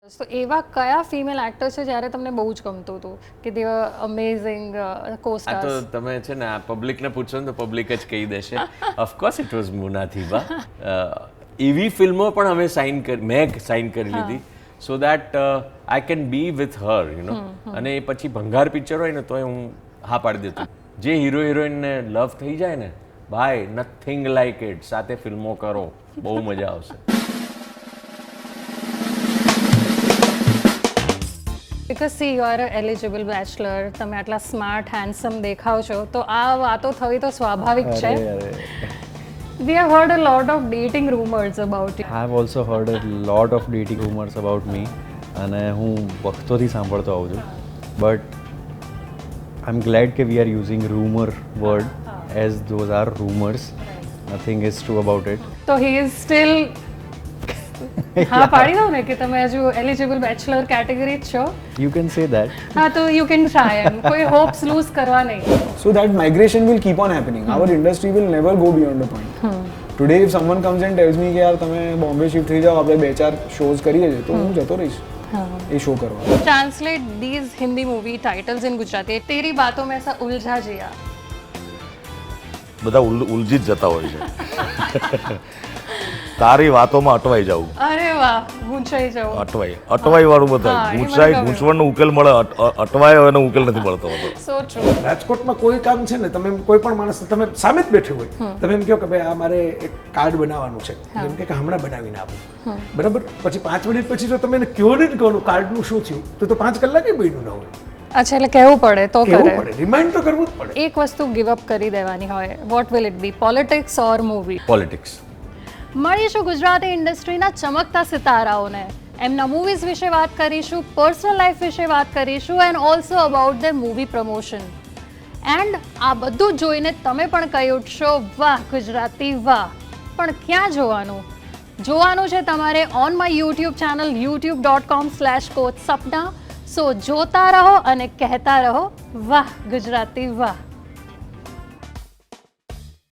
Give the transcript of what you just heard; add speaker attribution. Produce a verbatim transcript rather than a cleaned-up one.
Speaker 1: તો એવા કયા ફિમેલ એક્ટર છે જ્યારે તમને બહુ જ ગમતું હતું કે દે આર અમેઝિંગ કોસ્ટાર્સ?
Speaker 2: આ તો તમે છે ને આ પબ્લિકને પૂછો ને તો પબ્લિક જ કહી દેશે. ઓફકોર્સ ઇટ વોઝ મુના થીબા. એવી ફિલ્મો પણ અમે સાઇન કરી, મેં સાઇન કરી લીધી so that I can be with her you know. અને એ પછી ભંગાર પિક્ચર હોય ને તોય હું હા પાડી દેતો. જે હીરો હિરોઈનને લવ થઈ જાય ને, ભાઈ નથિંગ લાઈક ઇટ. સાથે ફિલ્મો કરો, બહુ મજા આવશે.
Speaker 1: Because see you are eligible bachelor, તમે આટલા સ્માર્ટ હેન્ડસમ દેખાવ છો, તો આ વાતો થવી તો સ્વાભાવિક છે. We have heard a lot of dating rumors about you.
Speaker 3: I have also heard a lot of dating rumors about me અને હું વખતોથી સાંભળતો આવું છું. But I'm glad કે we are using rumor word as those are rumors. Nothing is true about it.
Speaker 1: તો he is still હા પાડી દો ને કે તમે હજુ એલિજિબલ બેચલર કેટેગરી જ છો.
Speaker 3: You can say that.
Speaker 1: હા તો યુ કેન ટ્રાય એમ, કોઈ હોપ્સ લૂઝ કરવા નહીં.
Speaker 4: So that migration will keep on happening. Our industry will never go beyond a point. Today if someone comes and tells me કે યાર તમે Bombay shift થઈ જાઓ, આપણે બે ચાર શોઝ કરીએ છીએ, તો હું જતો રહીશ એ શો કરવા.
Speaker 1: Translate these Hindi movie titles in Gujarati. तेरी बातों में ऐसा उलझा जिया.
Speaker 5: બધા ઉલજી જ જતા હોય છે. તારી વાતોમાં અટવાઈ જવું.
Speaker 1: અરે વાહ, ગૂંચાઈ જવું.
Speaker 5: અટવાઈ અટવાઈ વાળું બધા ગૂંચાઈ ગૂંચવણનો ઉકેલ મળે, અટવાય એનો ઉકેલ નથી મળતો હોતો.
Speaker 1: So true.
Speaker 6: રાજકોટમાં કોઈ કામ છે ને, તમે કોઈ પણ માણસ તમે સામે જ બેઠે હોય, તમે એમ કહો કે ભાઈ આ મારે એક કાર્ડ બનાવવાનું છે, એમ કે હમણાં બનાવીને આપો, બરાબર. પછી પાંચ મિનિટ પછી જો તમે એને કહો ને કહો કાર્ડનું શું થયું, તો તો પાંચ કલાકે બન્યું ના હોય.
Speaker 1: અચ્છા, એટલે કહેવું પડે તો કરે.
Speaker 6: કહેવું પડે, રિમાઇન્ડ તો કરવું જ પડે.
Speaker 1: એક વસ્તુ ગિવ અપ કરી દેવાની હોય, what will it be? Politics or movie?
Speaker 2: Politics.
Speaker 1: મળીશું ગુજરાતી ઇન્ડસ્ટ્રીના ચમકતા સિતારાઓને. એમના મૂવીઝ વિશે વાત કરીશું, પર્સનલ લાઈફ વિશે વાત કરીશું, and also about the movie promotion. And આ બધું જોઈને તમે પણ કહી ઉઠશો, વાહ ગુજરાતી વાહ. પણ ક્યાં જોવાનું? જોવાનું છે તમારે on my YouTube channel YouTube dot com slash coach Sapna. So જોતા રહો અને કહેતા રહો, વાહ ગુજરાતી વાહ.